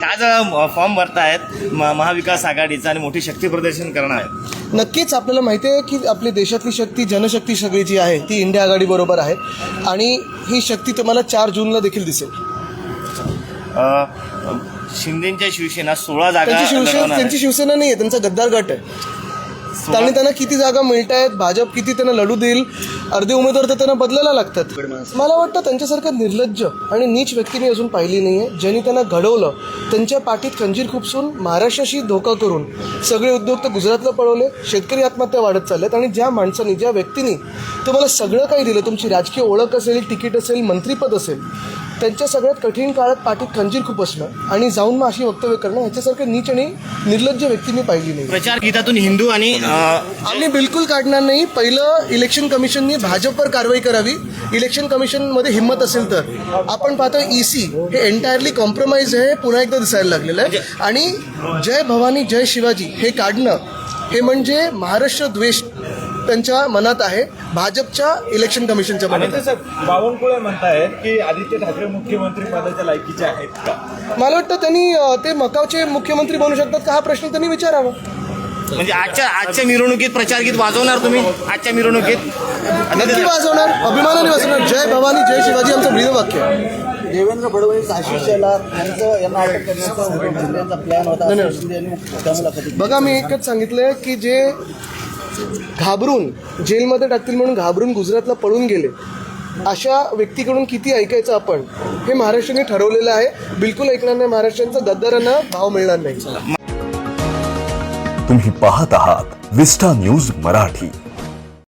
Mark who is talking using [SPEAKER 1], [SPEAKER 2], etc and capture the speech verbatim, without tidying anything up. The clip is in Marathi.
[SPEAKER 1] आज फॉर्म भरतायत महाविकास आघाडीचा आणि मोठी शक्ती प्रदर्शन करणार आहे.
[SPEAKER 2] नक्कीच आपल्याला माहिती आहे की आपली देशातली शक्ती, जनशक्ती सगळी जी आहे ती इंडिया आघाडी बरोबर आहे आणि ही शक्ती तुम्हाला चार जूनला देखील दिसेल.
[SPEAKER 1] शिंदेच्या शिवसेना सोळा जागा
[SPEAKER 2] त्यांची शिवसेना त्यांची शिवसेना नाही आहे, त्यांचा गद्दार गट आहे. आणि त्यांना किती जागा मिळत आहेत, भाजप किती त्यांना लढू देईल, अर्धे उमेदवार तर त्यांना बदलायला लागतात. मला वाटतं त्यांच्यासारखं निर्लज्ज आणि नीच व्यक्ती मी अजून पाहिली नाही आहे. ज्यांनी त्यांना घडवलं, त्यांच्या पाठीत खंजीर खुपसून महाराष्ट्राशी धोका करून सगळे उद्योग तर गुजरातला पळवले, शेतकरी आत्महत्या वाढत चालल्यात. आणि ज्या माणसांनी, ज्या व्यक्तींनी तुम्हाला सगळं काही दिलं, तुमची राजकीय ओळख असेल, तिकीट असेल, मंत्रीपद असेल, त्यांच्या सगळ्यात कठीण काळात पाठीत खंजीर खूप असणं आणि जाऊन मग अशी वक्तव्य करणं, ह्याच्यासारखं नीच आणि निर्लज्ज व्यक्ती मी पाहिली नाही.
[SPEAKER 1] प्रचार गीतातून हिंदू आणि
[SPEAKER 2] आम्ही बिलकुल काढणार नाही. पहिलं इलेक्शन कमिशननी भाजपवर कारवाई करावी. इलेक्शन कमिशनमध्ये हिंमत असेल तर. आपण पाहतो ईसी हे एंटायरली कॉम्प्रोमाइज आहे, पुन्हा एकदा दिसायला लागलेलं आहे. आणि जय भवानी जय शिवाजी हे काढणं हे म्हणजे महाराष्ट्र द्वेष त्यांच्या मनात आहे, भाजपच्या इलेक्शन कमिशनच्या मनात आहे.
[SPEAKER 3] बावनकुळे म्हणतायत की आदित्य ठाकरे मुख्यमंत्री पदाच्या लायकीचे आहेत का?
[SPEAKER 2] मला वाटतं त्यांनी ते मकावचे मुख्यमंत्री बनू शकतात का, हा प्रश्न त्यांनी विचारावा.
[SPEAKER 1] म्हणजे आजच्या आजच्या मिरवणुकीत प्रचार गीत वाजवणार तुम्ही? आजच्या मिरवणुकीत
[SPEAKER 2] नक्की वाजवणार, अभिमानाने वाजवणार. जय भवानी जय शिवाजी आमचं ब्रीदवाक्य आहे.
[SPEAKER 4] देवेंद्र फडणवीस, आशिष शेलार यांचं यांना अटक करण्याचा प्लॅन होता.
[SPEAKER 2] बघा, मी एकच सांगितलंय की जे घाबरून जेलमध्ये टाकतील म्हणून घाबरून गुजरातला पळून गेले, अशा व्यक्तीकडून किती ऐकायचं आपण, हे महाराष्ट्राने ठरवलेलं आहे. बिलकुल ऐकणार नाही महाराष्ट्रांचा. गद्दारांना भाव मिळणार नाही.
[SPEAKER 5] तुम्ही पाहत आहात विस्टा न्यूज मराठी.